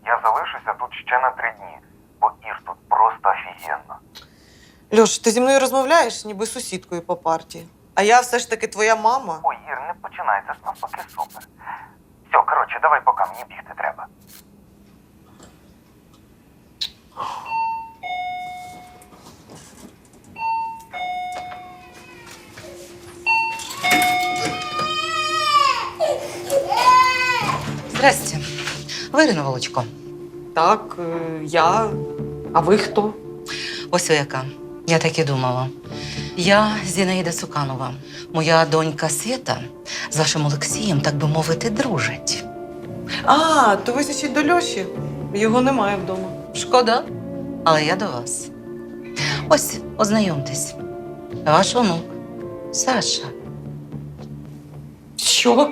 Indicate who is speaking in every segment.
Speaker 1: Я залишуся тут ще на 3 дні, бо Ір тут просто офігенно.
Speaker 2: Льош, ти зі мною розмовляєш, ніби з сусідкою по парті. А я все ж таки твоя мама.
Speaker 1: Ой, Ір, не починай, це ж навпаки супер. Все, коротше, давай пока, мені бігти треба.
Speaker 3: Здрасте. Ви Ірина Волочко.
Speaker 2: Так, я. А ви хто?
Speaker 3: Ось ви яка. Я так і думала. Я Зінаїда Цуканова. Моя донька Свята з вашим Олексієм, так би мовити, дружить.
Speaker 2: А, то ви ще до Льоші. Його немає вдома.
Speaker 3: Шкода, але я до вас. Ось, ознайомтесь. Ваш онук Саша.
Speaker 2: Що?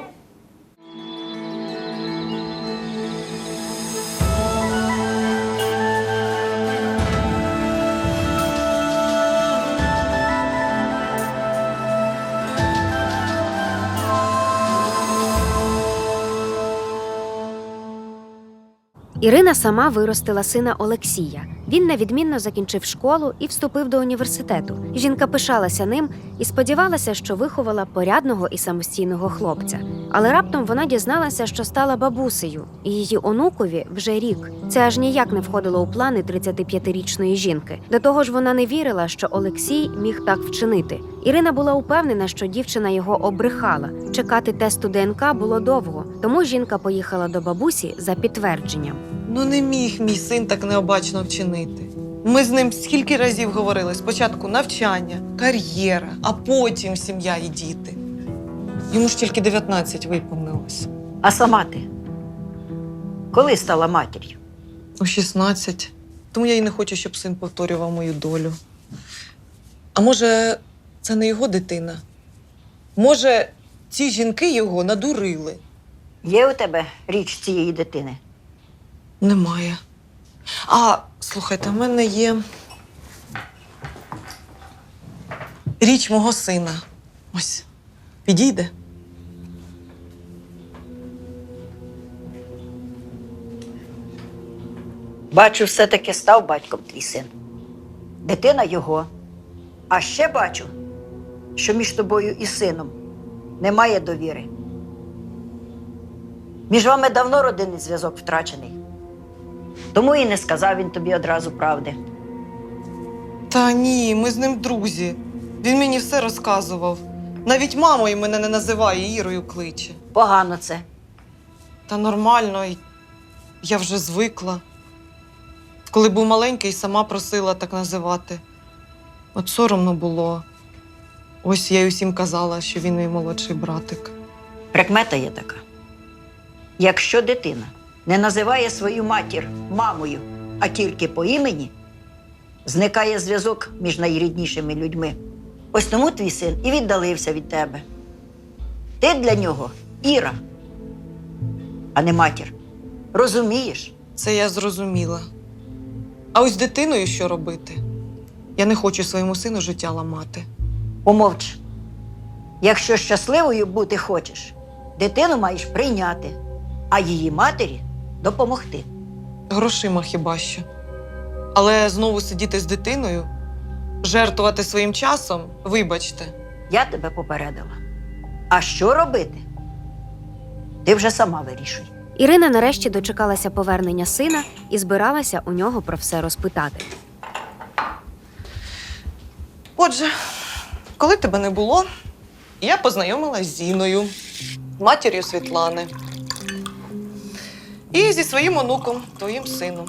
Speaker 4: Ірина сама виростила сина Олексія. Він невідмінно закінчив школу і вступив до університету. Жінка пишалася ним і сподівалася, що виховала порядного і самостійного хлопця. Але раптом вона дізналася, що стала бабусею, і її онукові вже рік. Це аж ніяк не входило у плани 35-річної жінки. До того ж, вона не вірила, що Олексій міг так вчинити. Ірина була упевнена, що дівчина його обрехала. Чекати тесту ДНК було довго, тому жінка поїхала до бабусі за підтвердженням.
Speaker 2: Ну не міг мій син так необачно вчинити. Ми з ним скільки разів говорили. Спочатку навчання, кар'єра, а потім сім'я і діти. Йому ж тільки 19 виповнилось.
Speaker 5: А сама ти? Коли стала матір'ю?
Speaker 2: У 16. Тому я й не хочу, щоб син повторював мою долю. А може, це не його дитина? Може, ці жінки його надурили?
Speaker 5: Є у тебе річ цієї дитини?
Speaker 2: Немає. А, слухайте, в мене є річ мого сина. Ось, підійде?
Speaker 5: Бачу, все-таки став батьком твій син. Дитина його. А ще бачу, що між тобою і сином немає довіри. Між вами давно родинний зв'язок втрачений. Тому і не сказав він тобі одразу правди.
Speaker 2: Та ні, ми з ним друзі. Він мені все розказував. Навіть мамою мене не називає, Ірою кличе.
Speaker 5: Погано це.
Speaker 2: Та нормально, я вже звикла. Коли був маленький, сама просила так називати. От соромно було. Ось я й усім казала, що він мій молодший братик.
Speaker 5: Прикмета є така. Якщо дитина не називає свою матір мамою, а тільки по імені, зникає зв'язок між найріднішими людьми. Ось тому твій син і віддалився від тебе. Ти для нього Іра, а не матір. Розумієш?
Speaker 2: Це я зрозуміла. А ось з дитиною що робити? Я не хочу своєму сину життя ламати.
Speaker 5: Помовч. Якщо щасливою бути хочеш, дитину маєш прийняти, а її матері допомогти.
Speaker 2: Грошима хіба що. Але знову сидіти з дитиною, жертвувати своїм часом, вибачте.
Speaker 5: Я тебе попередила. А що робити? Ти вже сама вирішуй.
Speaker 4: Ірина нарешті дочекалася повернення сина і збиралася у нього про все розпитати.
Speaker 2: Отже, коли тебе не було, я познайомилась з Зіною, матір'ю Світлани. І зі своїм онуком, твоїм сином.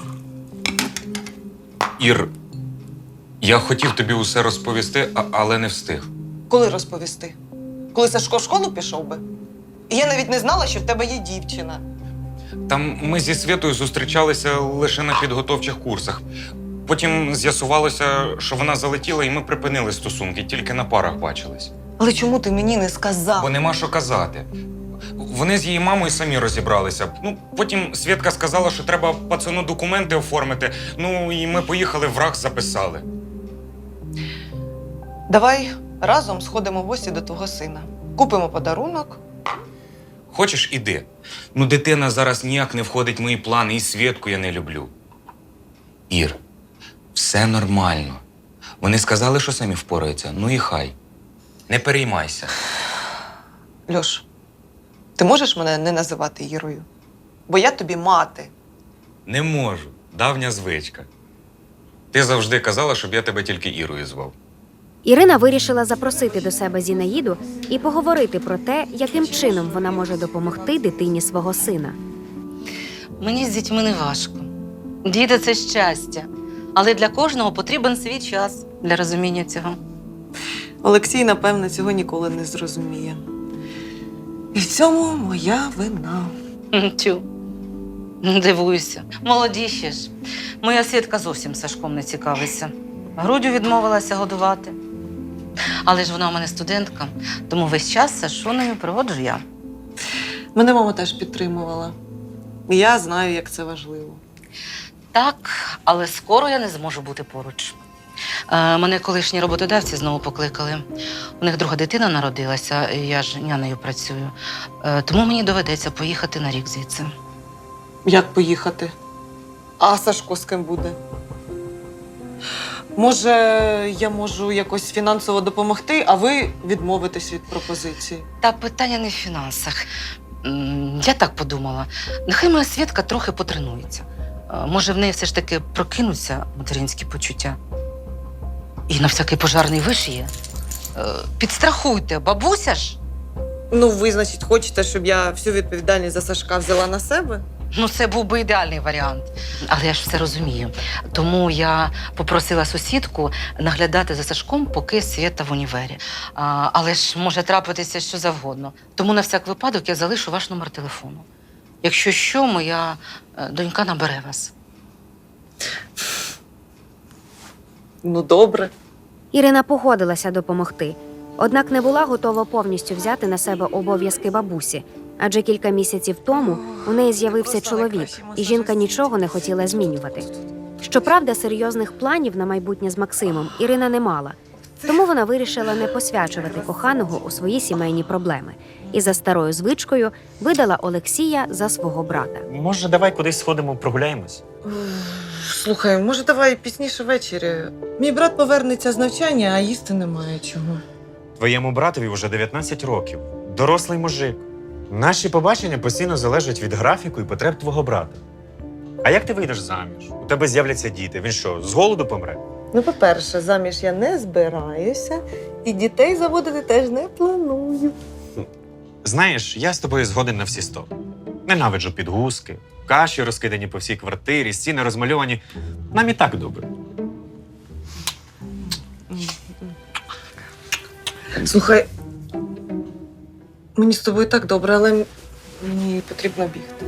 Speaker 6: Ір, я хотів тобі усе розповісти, але не встиг.
Speaker 2: Коли розповісти? Коли Сашко в школу пішов би? І я навіть не знала, що в тебе є дівчина.
Speaker 6: Там ми зі Світою зустрічалися лише на підготовчих курсах. Потім з'ясувалося, що вона залетіла, і ми припинили стосунки, тільки на парах бачились.
Speaker 2: Але чому ти мені не сказав?
Speaker 6: Бо нема що казати. Вони з її мамою самі розібралися. Потім Світка сказала, що треба пацану документи оформити. І ми поїхали, в РАГС записали.
Speaker 2: Давай разом сходимо в гості до твого сина. Купимо подарунок.
Speaker 6: Хочеш, іди. Ну, дитина зараз ніяк не входить в мої плани, і Свєтку я не люблю. Ір, все нормально. Вони сказали, що самі впораються. Ну і хай. Не переймайся.
Speaker 2: Льош, ти можеш мене не називати Ірою? Бо я тобі мати.
Speaker 6: Не можу. Давня звичка. Ти завжди казала, щоб я тебе тільки Ірою звав.
Speaker 4: Ірина вирішила запросити до себе Зінаїду і поговорити про те, яким чином вона може допомогти дитині свого сина.
Speaker 3: Мені з дітьми не важко. Діти це щастя. Але для кожного потрібен свій час для розуміння цього.
Speaker 2: Олексій, напевне, цього ніколи не зрозуміє. І в цьому моя вина.
Speaker 3: Тю. Дивуюся. Молоді ще ж. Моя Свідка зовсім Сашком не цікавиться. Груддю відмовилася годувати. Але ж вона у мене студентка, тому весь час з Сашунею проводжу я.
Speaker 2: Мене мама теж підтримувала. І я знаю, як це важливо.
Speaker 3: Так, але скоро я не зможу бути поруч. Мене колишні роботодавці знову покликали. У них друга дитина народилася, і я ж нянею працюю. Тому мені доведеться поїхати на рік звідси.
Speaker 2: Як поїхати? А Сашко з ким буде? Може, я можу якось фінансово допомогти, а ви відмовитесь від пропозиції?
Speaker 3: Та питання не в фінансах. Я так подумала. Нехай моя Свідка трохи потренується. Може, в неї все ж таки прокинуться материнські почуття. І на всякий пожарний вишиє. Підстрахуйте, бабуся ж.
Speaker 2: Ну, ви, значить, хочете, щоб я всю відповідальність за Сашка взяла на себе?
Speaker 3: Ну, це був би ідеальний варіант. Але я ж все розумію. Тому я попросила сусідку наглядати за Сашком, поки Свєта в універі. Але ж може трапитися що завгодно. Тому на всяк випадок я залишу ваш номер телефону. Якщо що, моя донька набере вас.
Speaker 2: Ну, добре.
Speaker 4: Ірина погодилася допомогти, однак не була готова повністю взяти на себе обов'язки бабусі, адже кілька місяців тому у неї з'явився чоловік, і жінка нічого не хотіла змінювати. Щоправда, серйозних планів на майбутнє з Максимом Ірина не мала, тому вона вирішила не посвячувати коханого у свої сімейні проблеми і за старою звичкою видала Олексія за свого брата.
Speaker 7: Може, давай кудись сходимо, прогуляємось?
Speaker 2: Слухай, може, давай пізніше ввечері. Мій брат повернеться з навчання, а їсти немає чого.
Speaker 7: Твоєму братові вже 19 років. Дорослий мужик. Наші побачення постійно залежать від графіку і потреб твого брата. А як ти вийдеш заміж? У тебе з'являться діти. Він що, з голоду помре?
Speaker 2: Ну, по-перше, заміж я не збираюся, і дітей заводити теж не планую.
Speaker 7: Знаєш, я з тобою згоден на всі 100. Ненавиджу підгузки, каші розкидані по всій квартирі, стіни розмальовані. Нам і так добре.
Speaker 2: Слухай, мені з тобою так добре, але мені потрібно бігти.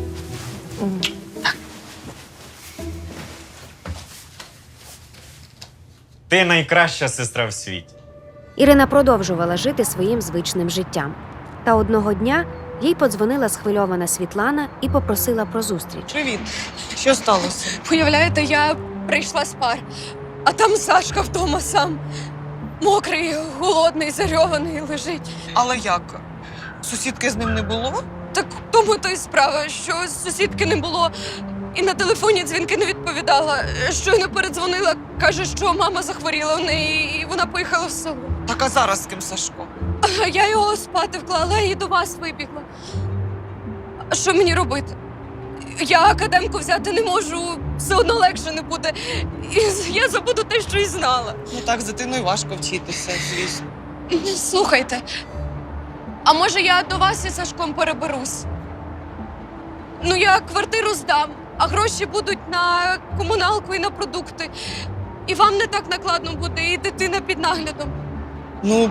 Speaker 7: Ти найкраща сестра в світі.
Speaker 4: Ірина продовжувала жити своїм звичним життям. Та одного дня їй подзвонила схвильована Світлана і попросила про зустріч.
Speaker 2: Привіт. Що сталося?
Speaker 8: Уявляєте, я прийшла з пар, а там Сашка вдома сам. Мокрий, голодний, зарьований лежить.
Speaker 2: Але як? Сусідки з ним не було?
Speaker 8: Так в тому то й справа, що сусідки не було. І на телефоні дзвінки не відповідала. Щойно передзвонила, каже, що мама захворіла в неї, і вона поїхала в село.
Speaker 2: Так, а зараз з ким Сашко?
Speaker 8: А я його спати вклала і до вас вибігла. А що мені робити? Я академку взяти не можу, все одно легше не буде. І я забуду те, що й знала.
Speaker 2: Ну так, з дитиною важко вчитися, звісно.
Speaker 8: Слухайте, а може я до вас із Сашком переберусь? Ну, я квартиру здам, а гроші будуть на комуналку і на продукти. І вам не так накладно буде, і дитина під наглядом.
Speaker 2: Ну,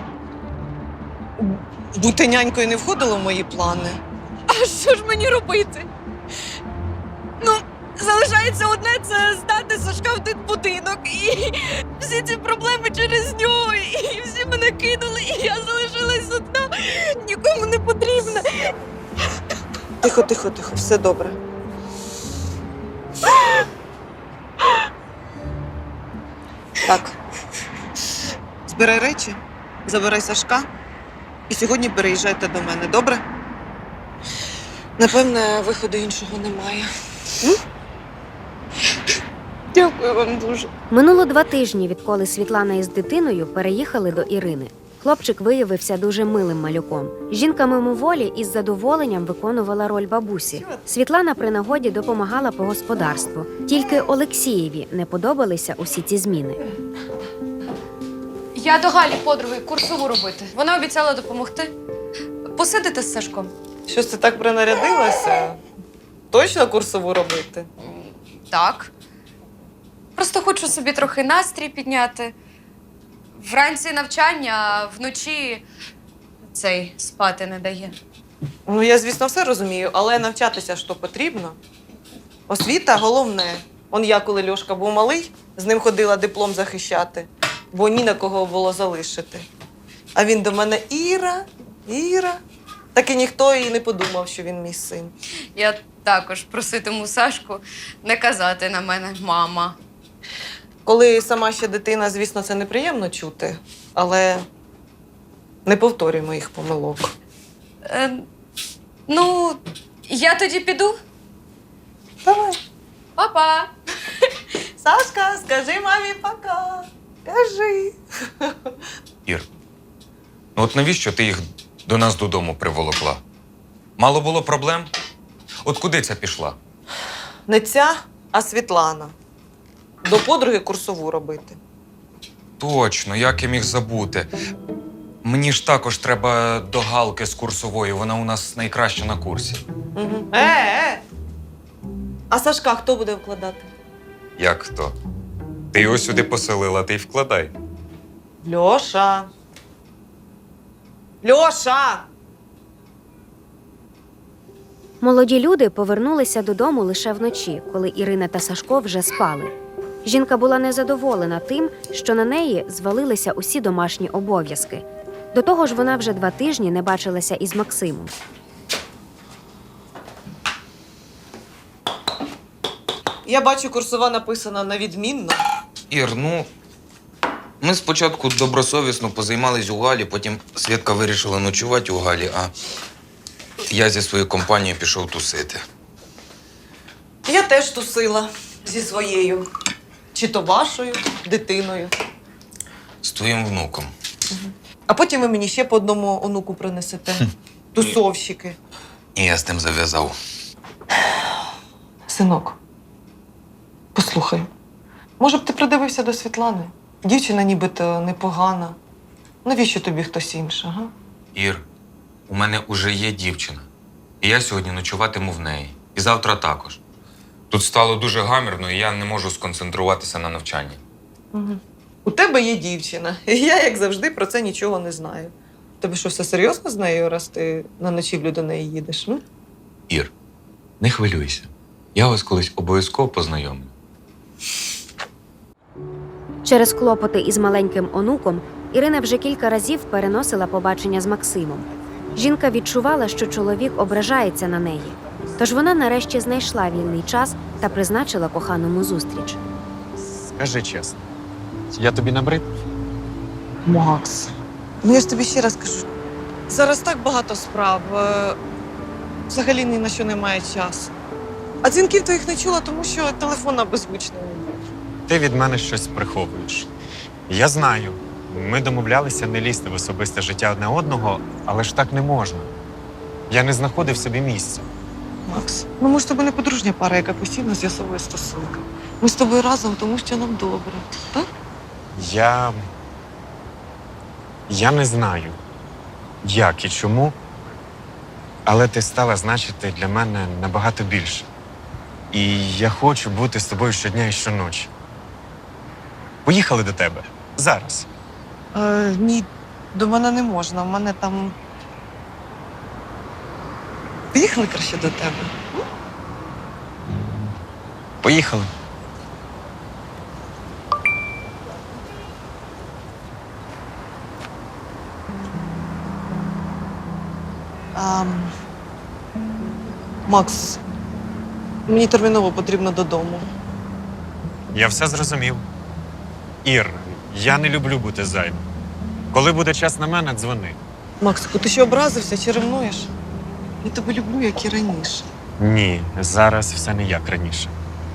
Speaker 2: бути нянькою не входило в мої плани.
Speaker 8: А що ж мені робити? Ну, залишається одне – це здати Сашка в дитбудинок. І всі ці проблеми через нього. І всі мене кинули, і я залишилась одна. Нікому не потрібна.
Speaker 2: Тихо, тихо, тихо, все добре. Так. Збирай речі, забирай Сашка і сьогодні переїжджайте до мене, добре? Напевне, виходу іншого немає.
Speaker 8: Дякую вам дуже.
Speaker 4: Минуло 2 тижні, відколи Світлана із дитиною переїхали до Ірини. Хлопчик виявився дуже милим малюком. Жінка мимоволі із задоволенням виконувала роль бабусі. Світлана при нагоді допомагала по господарству. Тільки Олексієві не подобалися усі ці зміни.
Speaker 8: Я до Галі подруги курсову робити. Вона обіцяла допомогти. Посидите з Сашком?
Speaker 2: Щось ти так принарядилася? Точно курсову робити?
Speaker 8: Так. Просто хочу собі трохи настрій підняти. Вранці навчання, а вночі цей спати не дає.
Speaker 2: Ну, я, звісно, все розумію, але навчатися ж то потрібно. Освіта головне. Он я, коли Льошка був малий, з ним ходила диплом захищати, бо ні на кого було залишити. А він до мене Іра. Так і ніхто і не подумав, що він мій син.
Speaker 8: Я також проситиму Сашку не казати на мене мама.
Speaker 2: Коли сама ще дитина, звісно, це неприємно чути, але не повторюй моїх помилок.
Speaker 8: Ну, я тоді піду.
Speaker 2: Давай.
Speaker 8: Па-па!
Speaker 2: Сашка, скажи мамі пока. Кажи.
Speaker 6: Ір, ну от навіщо ти їх до нас додому приволокла? Мало було проблем? От куди ця пішла?
Speaker 2: Не ця, а Світлана. До подруги курсову робити.
Speaker 6: Точно, як я міг забути. Мені ж також треба до Галки з курсової, вона у нас найкраща на курсі.
Speaker 2: Угу. А Сашка хто буде вкладати?
Speaker 6: Як хто? Ти його сюди поселила, ти й вкладай.
Speaker 2: Льоша. Льоша!
Speaker 4: Молоді люди повернулися додому лише вночі, коли Ірина та Сашко вже спали. Жінка була незадоволена тим, що на неї звалилися усі домашні обов'язки. До того ж, вона вже 2 тижні не бачилася із Максимом.
Speaker 2: Я бачу, курсова написана на відмінно.
Speaker 6: Ір, ну, ми спочатку добросовісно позаймались у Галі, потім Свідка вирішила ночувати у Галі, а я зі своєю компанією пішов тусити.
Speaker 2: Я теж тусила зі своєю. Чи то вашою дитиною.
Speaker 6: З твоїм внуком.
Speaker 2: А потім ви мені ще по одному онуку принесете. Тусовщики.
Speaker 6: І я з тим зав'язав.
Speaker 2: Синок, послухай, може б ти придивився до Світлани? Дівчина нібито непогана. Навіщо тобі хтось інший, га?
Speaker 6: Ір, у мене уже є дівчина. І я сьогодні ночуватиму в неї. І завтра також. Тут стало дуже гамірно, і я не можу сконцентруватися на навчанні.
Speaker 2: Угу. У тебе є дівчина, і я, як завжди, про це нічого не знаю. Тобі що, все серйозно з нею, раз ти на ночівлю до неї їдеш? Ну?
Speaker 6: Ір, не хвилюйся. Я вас колись обов'язково познайомлю.
Speaker 4: Через клопоти із маленьким онуком Ірина вже кілька разів переносила побачення з Максимом. Жінка відчувала, що чоловік ображається на неї. Тож вона нарешті знайшла вільний час та призначила коханому зустріч.
Speaker 7: Скажи чесно, я тобі набрид?
Speaker 2: Макс, ну я ж тобі ще раз кажу. Зараз так багато справ. Взагалі ні на що немає часу. А дзвінків твоїх не чула, тому що телефон на беззвучному.
Speaker 7: Ти від мене щось приховуєш. Я знаю, ми домовлялися не лізти в особисте життя одне одного, але ж так не можна. Я не знаходив собі місця.
Speaker 2: Макс, ну ми ж з тобою не подружня пара, яка постійно з'ясовує стосунки. Ми з тобою разом, тому що нам добре, так?
Speaker 7: Я не знаю, як і чому, але ти стала значити для мене набагато більше. І я хочу бути з тобою щодня і щоночі. Поїхали до тебе. Зараз.
Speaker 2: Ні, до мене не можна. У мене там. Поїхали краще до тебе.
Speaker 7: Поїхали.
Speaker 2: Макс, мені терміново потрібно додому.
Speaker 7: Я все зрозумів. Ір, я не люблю бути зайвим. Коли буде час на мене, дзвони.
Speaker 2: Максику, ти що образився чи ревнуєш? Я тебе люблю, як і раніше.
Speaker 7: Ні, зараз все не як раніше.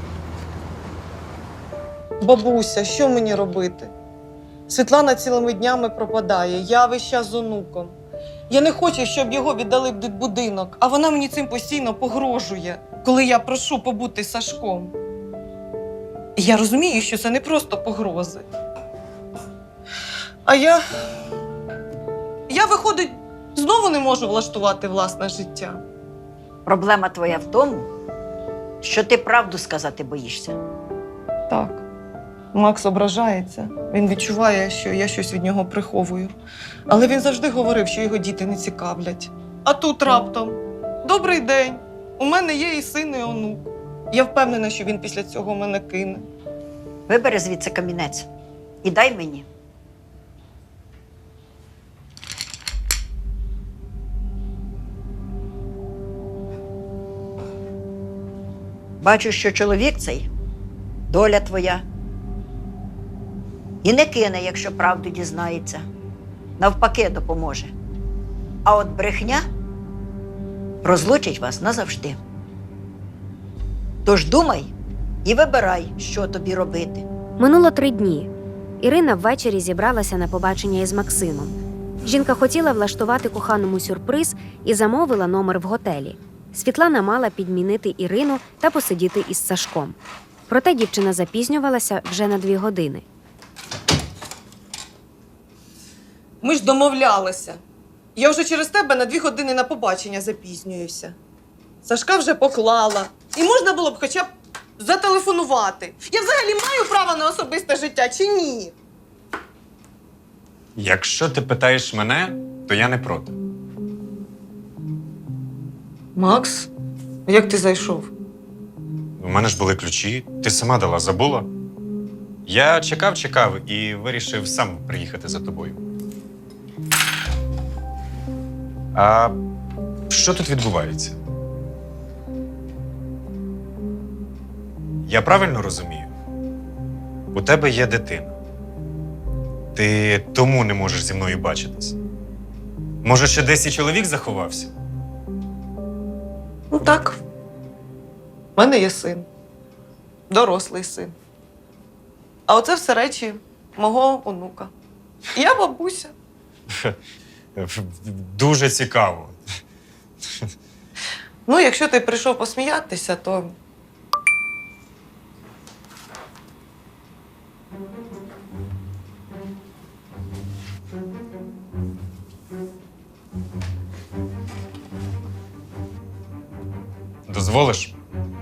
Speaker 2: Бабуся, що мені робити? Світлана цілими днями пропадає, я весь час з онуком. Я не хочу, щоб його віддали в дитбудинок, а вона мені цим постійно погрожує, коли я прошу побути з Сашком. І я розумію, що це не просто погрози. А я, виходить, знову не можу влаштувати власне життя.
Speaker 5: Проблема твоя в тому, що ти правду сказати боїшся.
Speaker 2: Так. Макс ображається. Він відчуває, що я щось від нього приховую. Але він завжди говорив, що його діти не цікавлять. А тут раптом: добрий день, у мене є і син, і онук. Я впевнена, що він після цього мене кине.
Speaker 5: Вибери звідси камінець і дай мені. Бачу, що чоловік цей – доля твоя. І не кине, якщо правду дізнається. Навпаки, допоможе. А от брехня розлучить вас назавжди. Тож думай і вибирай, що тобі робити.
Speaker 4: Минуло 3 дні. Ірина ввечері зібралася на побачення із Максимом. Жінка хотіла влаштувати коханому сюрприз і замовила номер в готелі. Світлана мала підмінити Ірину та посидіти із Сашком. Проте дівчина запізнювалася вже на 2 години.
Speaker 2: Ми ж домовлялися. Я вже через тебе на 2 години на побачення запізнююся. Сашка вже поклала. І можна було б хоча б зателефонувати. Я взагалі маю право на особисте життя чи ні?
Speaker 7: Якщо ти питаєш мене, то я не проти.
Speaker 2: Макс, як ти зайшов?
Speaker 7: У мене ж були ключі, ти сама дала, забула? Я чекав і вирішив сам приїхати за тобою. А що тут відбувається? Я правильно розумію? У тебе є дитина. Ти тому не можеш зі мною бачитись. Може, ще десь і чоловік заховався?
Speaker 2: Ну так. У мене є син. Дорослий син. А оце все речі мого онука. Я бабуся.
Speaker 7: Дуже цікаво.
Speaker 2: Ну, якщо ти прийшов посміятися, то
Speaker 7: Дозволиш?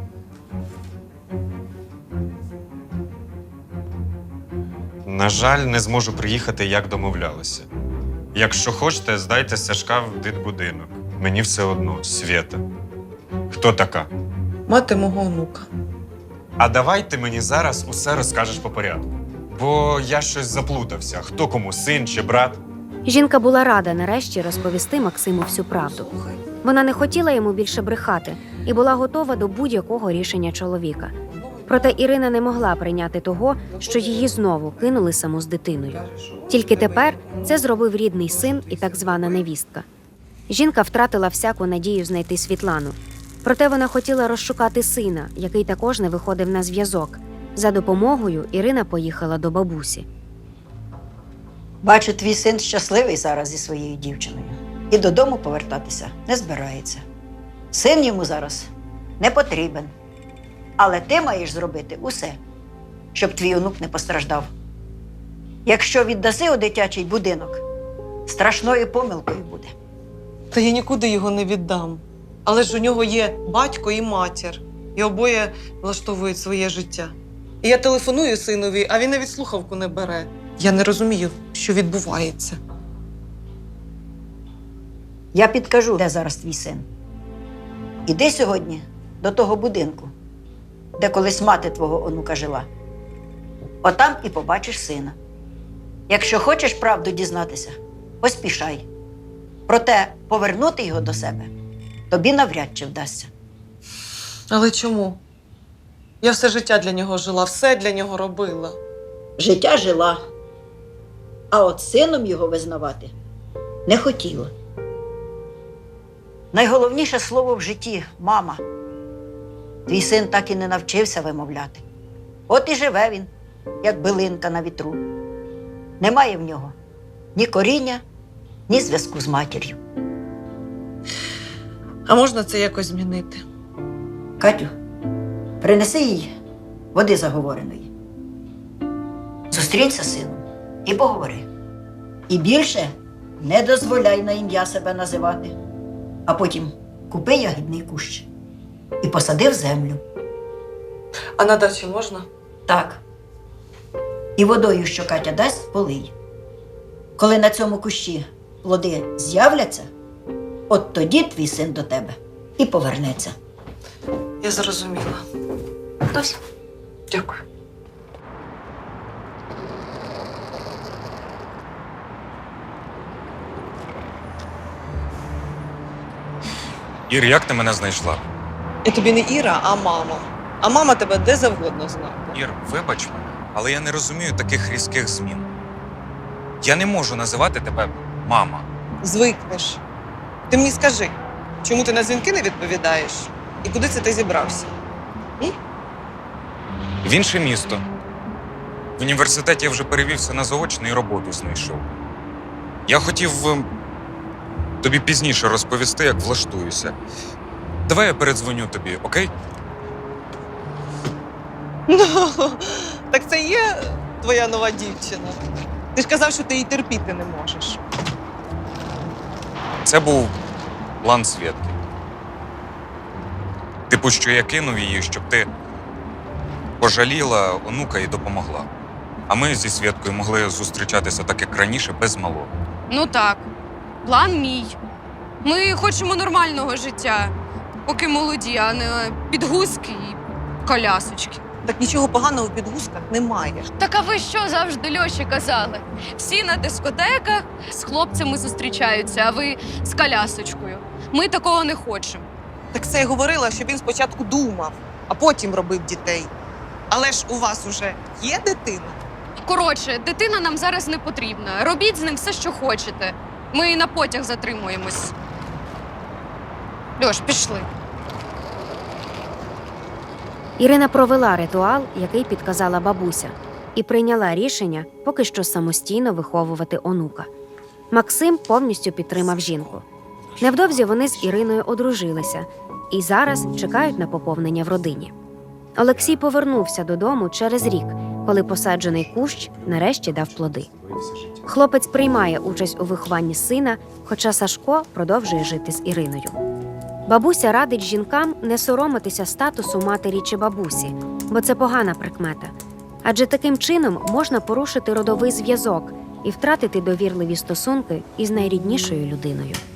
Speaker 7: На жаль, не зможу приїхати, як домовлялися. Якщо хочете, здайте Сашка в дитбудинок. Мені все одно, Свєта. Хто така?
Speaker 2: мати мого онука.
Speaker 7: А давай ти мені зараз усе розкажеш по порядку. Бо я щось заплутався. Хто кому, син чи брат?
Speaker 4: Жінка була рада нарешті розповісти Максиму всю правду. Вона не хотіла йому більше брехати і була готова до будь-якого рішення чоловіка. Проте Ірина не могла прийняти того, що її знову кинули саму з дитиною. Тільки тепер це зробив рідний син і так звана невістка. Жінка втратила всяку надію знайти Світлану. Проте вона хотіла розшукати сина, який також не виходив на зв'язок. За допомогою Ірина поїхала до бабусі.
Speaker 5: Бачу, твій син щасливий зараз зі своєю дівчиною. І додому повертатися не збирається. Син йому зараз не потрібен. Але ти маєш зробити усе, щоб твій онук не постраждав. Якщо віддаси у дитячий будинок, страшною помилкою буде.
Speaker 2: Та я нікуди його не віддам. Але ж у нього є батько і матір. І обоє влаштовують своє життя. І я телефоную синові, а він навіть слухавку не бере. Я не розумію, що відбувається.
Speaker 5: Я підкажу, де зараз твій син. Іди сьогодні до того будинку, де колись мати твого онука жила. Отам і побачиш сина. Якщо хочеш правду дізнатися, поспішай. Проте повернути його до себе тобі навряд чи вдасться.
Speaker 2: Але чому? Я все життя для нього жила, все для нього робила.
Speaker 5: Життя жила, а от сином його визнавати не хотіла. Найголовніше слово в житті мама. Твій син так і не навчився вимовляти. От і живе він, як билинка на вітру. Немає в нього ні коріння, ні зв'язку з матір'ю.
Speaker 2: А можна це якось змінити?
Speaker 5: Катю, принеси їй води заговореної. Зустрінься з сином і поговори. І більше не дозволяй на ім'я себе називати. А потім купи ягідний кущ і посади в землю.
Speaker 2: А на дачі можна?
Speaker 5: Так. І водою, що Катя дасть, полий. Коли на цьому кущі плоди з'являться, от тоді твій син до тебе і повернеться.
Speaker 2: Я зрозуміла.
Speaker 5: Ось.
Speaker 2: Дякую.
Speaker 6: Ір, як ти мене знайшла?
Speaker 2: Я тобі не Іра, а мама. А мама тебе де завгодно знає.
Speaker 6: Ір, вибач мене, але я не розумію таких різких змін. Я не можу називати тебе мама.
Speaker 2: Звикнеш. Ти мені скажи, чому ти на дзвінки не відповідаєш? І куди це ти зібрався?
Speaker 6: В інше місто. В університеті я вже перевівся на заочну і роботу знайшов. Я хотів тобі пізніше розповісти, як влаштуюся. Давай я передзвоню тобі, окей?
Speaker 2: Ну, так це є твоя нова дівчина. Ти ж казав, що ти її терпіти не можеш.
Speaker 6: Це був план Свєтки. Типу, що я кинув її, щоб ти пожаліла онука і допомогла. А ми зі Свєткою могли зустрічатися так, як раніше, без малого.
Speaker 8: Ну так, план мій. Ми хочемо нормального життя, поки молоді, а не підгузки і колясочки.
Speaker 2: Так нічого поганого в підгузках немає.
Speaker 8: Так а ви що завжди Льоші казали? Всі на дискотеках з хлопцями зустрічаються, а ви з колясочкою. Ми такого не хочемо.
Speaker 2: Так це я говорила, що він спочатку думав, а потім робив дітей. Але ж у вас уже є дитина?
Speaker 8: Коротше, дитина нам зараз не потрібна. Робіть з ним все, що хочете. Ми на потяг затримуємось. Льош, пішли.
Speaker 4: Ірина провела ритуал, який підказала бабуся, і прийняла рішення поки що самостійно виховувати онука. Максим повністю підтримав жінку. Невдовзі вони з Іриною одружилися і зараз чекають на поповнення в родині. Олексій повернувся додому через рік, коли посаджений кущ нарешті дав плоди. Хлопець приймає участь у вихованні сина, хоча Сашко продовжує жити з Іриною. Бабуся радить жінкам не соромитися статусу матері чи бабусі, бо це погана прикмета. Адже таким чином можна порушити родовий зв'язок і втратити довірливі стосунки із найріднішою людиною.